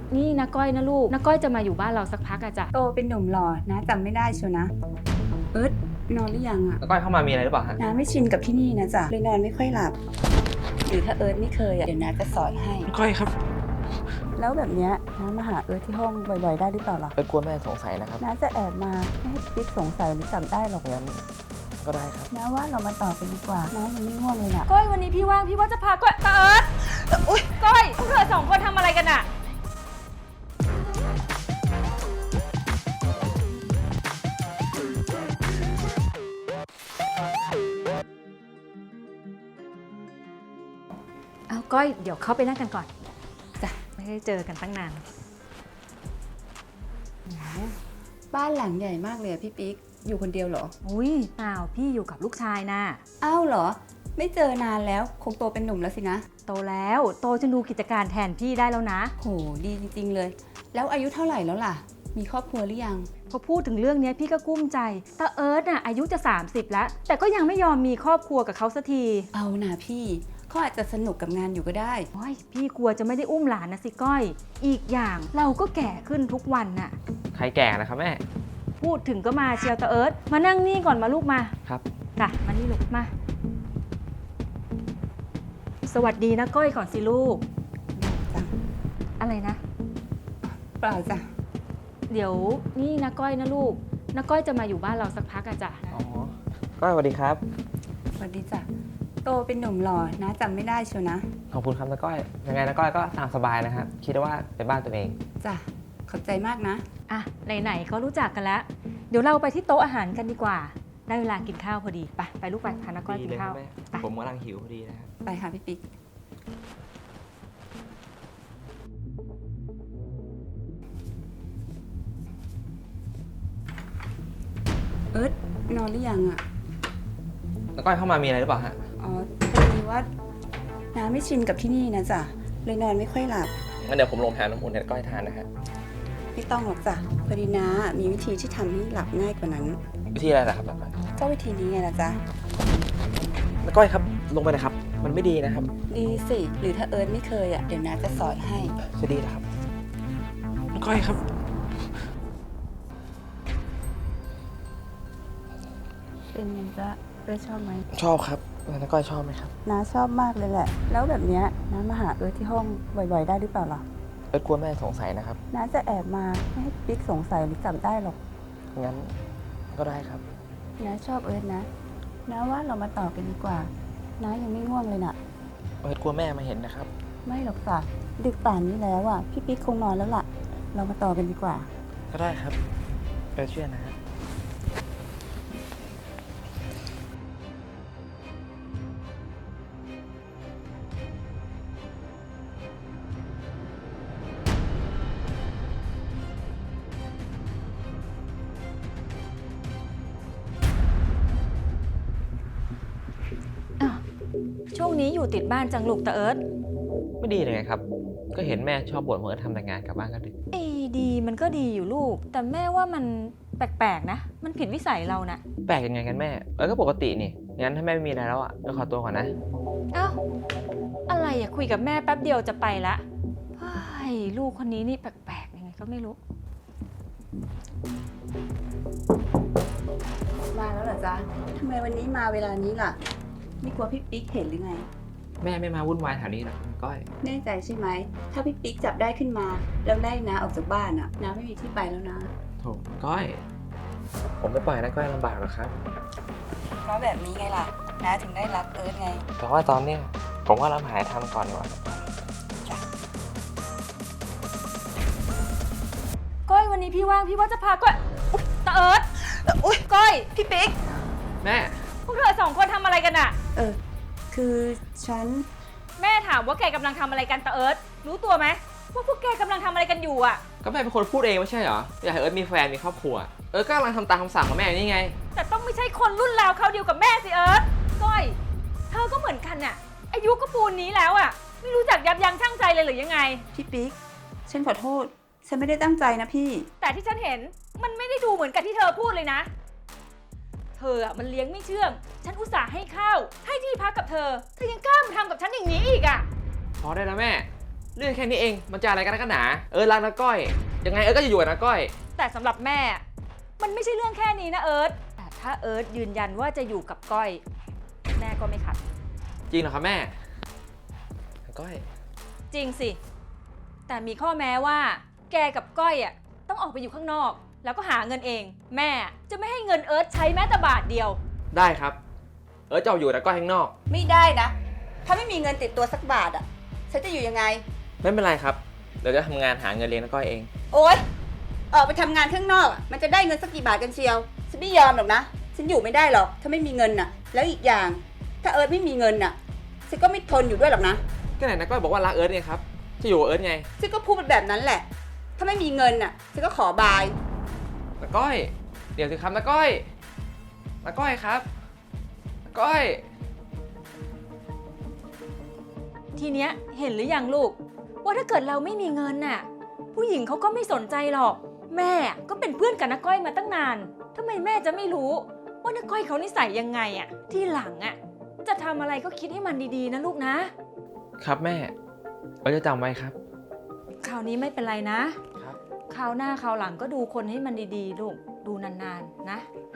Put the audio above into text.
นี่นะก้อยนะลูกนะก้อยจะมาอยู่บ้านเราสักพักอะจ้ะโตเป็นหนุ่มหล่อนะจำไม่ได้เชียวนะเอิร์ธนอนหรือยังอะแล้วก้อยเข้ามามีอะไรหรือเปล่าฮะน้าไม่ชินกับที่นี่นะจ๊ะเลยนอนไม่ค่อยหลับ หรือถ้าเอิร์ธไม่เคยอะเดี๋ยวน้าจะสอนให้ก้อยครับแล้วแบบเนี้ยน้ามาหาเอิร์ธที่ห้องบ่อยๆได้หรือเปล่าล่ะกลัวแม่สงสัยนะครับน้าจะแอบมาไม่ให้ปิ๊กสงสัยหรือจำได้หรอกงั้นก็ได้ครับน้าว่าเรามาต่อกันดีกว่าน้ายังไม่ง่วงเลยนะก้อยวันนี้พี่ว่างพี่ว่าจะพาก้อยตาเอิร์ธอุ๊ยก้อยพวกเธอสองคนทำอะไรกันอะเอาก้อยเดี๋ยวเข้าไปนั่งกันก่อนจ้ะไม่ได้เจอกันตั้งนานบ้านหลังใหญ่มากเลยอะพี่ปิ๊กอยู่คนเดียวเหรออุ้ยเปล่าพี่อยู่กับลูกชายนะอ้าวเหรอ ไม่เจอนานแล้วคงโตเป็นหนุ่มแล้วสินะโตแล้วโตจนดูกิจการแทนพี่ได้แล้วนะโหดีจริงๆเลย แล้วอายุเท่าไหร่แล้วล่ะ มีครอบครัวหรือยังพอพูดถึงเรื่องนี้พี่ก็กุ้มใจตาเอิร์ธน่ะอายุจะ30แล้วแต่ก็ยังไม่ยอมมีครอบครัวกับเขาสักทีเอานะพี่เขาอาจจะสนุกกับงานอยู่ก็ได้โอ้ยพี่กลัวจะไม่ได้อุ้มหลานนะสิก้อย อีกอย่างเราก็แก่ขึ้นทุกวันน่ะใครแก่นะครับแม่พูดถึงก็มาเชียวตาเอิร์ธมานั่งนี่ก่อนมาลูกมาครับจ้ะมานี่ลูกมา สวัสดีนะก้อยก่อนสิลูกจ้ะอะไรนะเปล่าจ้ะเดี๋ยวนี่นะก้อยนะลูกนะก้อยจะมาอยู่บ้านเราสักพักอะจ้ะอ๋อ ก้อยสวัสดีครับสวัสดีจ้ะโตเป็นหนุ่มหล่อนะจำไม่ได้เชียวนะขอบคุณครับนะก้อย ยังไงนะก้อยก็ตามสบายนะครับ คิดว่าเป็นบ้านตัวเองจ้ะขอบใจมากนะอ่ะไหนๆก็รู้จักกันแล้ว เดี๋ยวเราไปที่โต๊ะอาหารกันดีกว่า ได้เวลากินข้าวพอดีไปลูกไปพานะก้อยกินข้าวไปผมกำลังหิวพอดีนะครับไปค่ะพี่ปิ๊กเอิร์ธนอนหรือยังอะแล้วก้อยเข้ามามีอะไรหรือเปล่าฮะอ๋อพอดีว่าน้าไม่ชินกับที่นี่นะจ๊ะเลยนอนไม่ค่อยหลับงั้นเดี๋ยวผมลงแทนน้ำอุ่นให้ก้อยทานนะฮะไม่ต้องหรอกจ้ะพอดีน้ามีวิธีที่ทำให้หลับง่ายกว่านั้นวิธีอะไรล่ะครับนะก้อยก็วิธีนี้ไงล่ะจ๊ะนะก้อยครับ ลงไปนะครับ มันไม่ดีนะครับดีสิ หรือถ้าเอิร์ธไม่เคยอ่ะ เดี๋ยวน้าจะสอนให้จะดีนะครับนะก้อยครับเป็นไงจ๊ะเอิร์ธชอบไหมชอบครับนะก้อยชอบไหมครับน้าชอบมากเลยแหละ แล้วแบบเนี้ยน้ามาหาเอิร์ธที่ห้องบ่อยๆได้หรือเปล่าล่ะกลัวแม่สงสัยนะครับน้าจะแอบมาไม่ให้ปิ๊กสงสัยหรือจำได้หรอกงั้นก็ได้ครับน้าชอบเอิร์ธนะน้าว่าเรามาต่อกันดีกว่า น้ายังไม่ง่วงเลยน่ะกลัวแม่มาเห็นนะครับไม่หรอกจ้ะดึกป่านนี้แล้วอ่ะ พี่ปิ๊กคงนอนแล้วล่ะ เรามาต่อกันดีกว่าก็ได้ครับเชื่อนะฮะอ้าวช่วงนี้อยู่ติดบ้านจังลูกตาเอิร์ธไม่ดีเลยไงครับ ก็เห็นแม่ชอบบ่นว่าทำแต่งานกลับบ้านก็ดึกดีมันก็ดีอยู่ลูก แต่แม่ว่ามันแปลกๆนะ มันผิดวิสัยเรานะแปลกยังไงกันแม่ ก็ปกตินี่ งั้นถ้าแม่ไม่มีอะไรแล้วอ่ะก็ขอตัวก่อนนะเอ้าอะไรอะคุยกับแม่แป๊บเดียวจะไปละเฮ้ยลูกคนนี้นี่แปลกๆยังไงก็ไม่รู้มาแล้วเหรอจ๊ะทำไมวันนี้มาเวลานี้ล่ะ ไม่กลัวพี่ปิ๊กเห็นหรือไงแม่ไม่มาวุ่นวายแถวนี้หรอกก้อยแน่ใจใช่ไหม ถ้าพี่ปิ๊กจับได้ขึ้นมา แล้วไล่น้าออกจากบ้านอ่ะน้าไม่มีที่ไปแล้วนะโถก้อย ผมไม่ปล่อยนะก้อยลำบากหรอกครับเพราะแบบนี้ไงล่ะน้าถึงได้รักเอิร์ธไงแต่ว่าตอนเนี้ยผมว่าเราหายทำก่อนดีกว่าก้อยวันนี้พี่ว่างพี่ว่าจะพาก้อยอุ๊ยตาเอิร์ธอุ๊ยก้อยพี่ปิ๊กแม่พวกเธอสองคนทำอะไรกันอะคือฉันแม่ถามว่าแกกำลังทำอะไรกันตาเอิร์ธรู้ตัวไหมว่าพวกแกกำลังทำอะไรกันอยู่อะก็แม่เป็นคนพูดเองไม่ใช่เหรอ อยากให้เอิร์ธมีแฟนมีครอบครัว ก็กำลังทำตามคำสั่งของแม่นี่ไงแต่ต้องไม่ใช่คนรุ่นราวเขาวเดียวกับแม่สิเอิร์ธก้อย เธอก็เหมือนกันน่ะอายุก็ปูนนี้แล้วอะไม่รู้จักยับยั้งชั่งใจเลยหรือยังไงพี่ปิ๊ก ฉันขอโทษ ฉันไม่ได้ตั้งใจนะพี่แต่ที่ฉันเห็นมันไม่ได้ดูเหมือนกับที่เธอพูดเลยนะ เธออะมันเลี้ยงไม่เชื่อง ฉันอุตส่าห์ให้ข้าวให้ที่พักกับเธอยังกล้ามาทำกับฉันอย่างนี้อีกอะพอได้แล้วแม่เรื่องแค่นี้เองมันจะอะไรกันนักกันหนารักนะก้อยยังไงก็จะอยู่กับนะก้อยแต่สำหรับแม่มันไม่ใช่เรื่องแค่นี้นะเอิร์ธแต่ถ้าเอิร์ธยืนยันว่าจะอยู่กับก้อยแม่ก็ไม่ขัดจริงเหรอครับแม่ก้อยจริงสิ แต่มีข้อแม้ว่าแกกับก้อยอ่ะต้องออกไปอยู่ข้างนอก แล้วก็หาเงินเอง แม่จะไม่ให้เงินเอิร์ธใช้แม้แต่บาทเดียวได้ครับจะเอาอยู่นะก้อยข้างนอกไม่ได้นะ ถ้าไม่มีเงินติดตัวสักบาทอ่ะ ฉันจะอยู่ยังไงไม่เป็นไรครับเดี๋ยวจะทำงานหาเงินเลี้ยงนะก้อยเองโอ๊ย ออกไปทำงานข้างนอกอะมันจะได้เงินสักกี่บาทกันเชียว ฉันไม่ยอมหรอกนะ ฉันอยู่ไม่ได้หรอก ถ้าไม่มีเงินน่ะ แล้วอีกอย่าง ถ้าเอิร์ธไม่มีเงินน่ะ ฉันก็ไม่ทนอยู่ด้วยหรอกนะก็ไหนนะก้อยบอกว่ารักไงครับจะอยู่กับไงฉันก็พูดเป็นแบบนั้นแหละ ถ้าไม่มีเงินน่ะ ฉันก็ขอบายนะก้อยเดี๋ยวสิครับนะก้อยนะก้อยครับนะก้อยทีเนี้ยเห็นหรือยังลูก ว่าถ้าเกิดเราไม่มีเงินน่ะผู้หญิงเขาก็ไม่สนใจหรอก แม่ก็เป็นเพื่อนกับน้าก้อยมาตั้งนานทำไมแม่จะไม่รู้ว่าน้าก้อยเขานิสัยยังไงอ่ะที่หลังอ่ะจะทำอะไรก็คิดให้มันดีๆนะลูกนะครับแม่จะจำไว้ครับคราวนี้ไม่เป็นไรนะครับ คราวหน้าคราวหลังก็ดูคนให้มันดีๆลูกดูนานๆนะ